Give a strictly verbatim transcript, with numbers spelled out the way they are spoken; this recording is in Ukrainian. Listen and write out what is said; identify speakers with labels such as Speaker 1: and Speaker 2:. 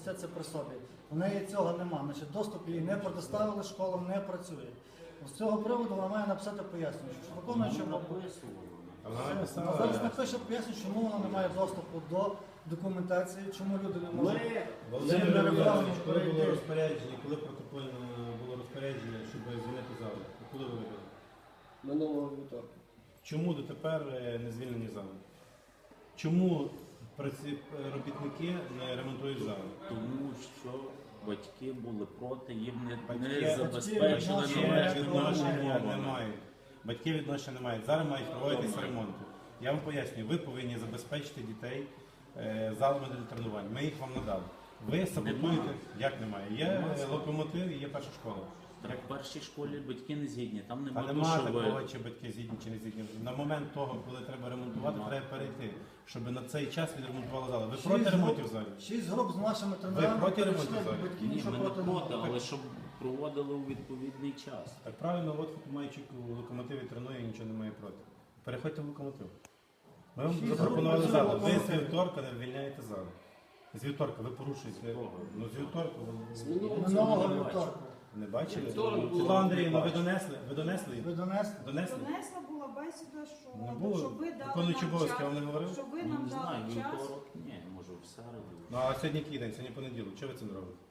Speaker 1: все це при собі. У неї цього немає, значить доступ їй не предоставили, школа не працює. З цього приводу вона має написати пояснення, що виконуючи
Speaker 2: Вона
Speaker 1: а зараз напише пояснення, чому вона не має доступу до документації, чому люди не можуть.
Speaker 2: Володимир Іванович, коли було розпорядження, коли протокольно було розпорядження, щоб звільнити залу? Коли ви робили?
Speaker 3: Минулого вівторка.
Speaker 2: Чому дотепер не звільнені зали? Чому праці- робітники не ремонтують зали?
Speaker 4: Тому що батьки були проти, їм не,
Speaker 2: Батьки-
Speaker 4: не забезпечили
Speaker 1: відношення
Speaker 2: Батьки
Speaker 4: належну
Speaker 2: відношення не
Speaker 4: умову.
Speaker 2: мають. Батьки відношення не мають. Зараз мають проводитися ремонти. Я вам пояснюю, ви повинні забезпечити дітей е, залами для тренувань. Ми їх вам надали. Ви саботуєте,
Speaker 4: Нема.
Speaker 2: як немає. Є е, локомотив і є перша школа.
Speaker 4: Так в першій школі батьки не згідні, там
Speaker 2: Та
Speaker 4: нема
Speaker 2: нема
Speaker 4: душової.
Speaker 2: такого, чи батьки згідні, чи не згідні. На момент того, коли треба ремонтувати,
Speaker 4: Нема.
Speaker 2: треба перейти, щоб на цей час відремонтували зали. Ви
Speaker 1: Шість
Speaker 2: проти
Speaker 1: груп-
Speaker 2: ремонтів залів?
Speaker 1: Шість груп з нашими тренерами,
Speaker 2: проти ремонту
Speaker 1: прийшли,
Speaker 2: зараз?
Speaker 1: батьки
Speaker 4: Ні,
Speaker 1: нічого
Speaker 4: ми не
Speaker 1: проти не
Speaker 4: проти,
Speaker 1: мають.
Speaker 4: але щоб проводили у відповідний час.
Speaker 2: Так правильно, от Майчик у локомотиві тренує і нічого не має проти. Переходьте в локомотив. Ми вам
Speaker 1: Шість
Speaker 2: запропонували
Speaker 1: груп
Speaker 2: залу.
Speaker 1: працює
Speaker 2: Ви з
Speaker 1: локомотив.
Speaker 2: вівторка не вивільняєте залу. З вівторка ви порушуєте. Ну з вівторка ви
Speaker 3: З минулого
Speaker 1: Минулого
Speaker 4: не
Speaker 1: вівторка.
Speaker 2: не бачили?
Speaker 3: Вівторок було.
Speaker 2: Світлана Андріївна, ви донесли? Ви донесли?
Speaker 1: Ви донесли?
Speaker 2: Донесли?
Speaker 5: Донесла була бесіда, що
Speaker 2: Не було.
Speaker 5: щоб ви дали
Speaker 2: Виконуючий
Speaker 5: нам
Speaker 2: обов'язки,
Speaker 5: час,
Speaker 2: я вам не говорив?
Speaker 5: щоб ви
Speaker 4: Ну,
Speaker 5: нам
Speaker 4: не знаю,
Speaker 5: дали час.
Speaker 4: вівторок, ні, може в середу.
Speaker 2: Ну а сьогодні який день? Сьогодні понеділок. Чого ви це не робите?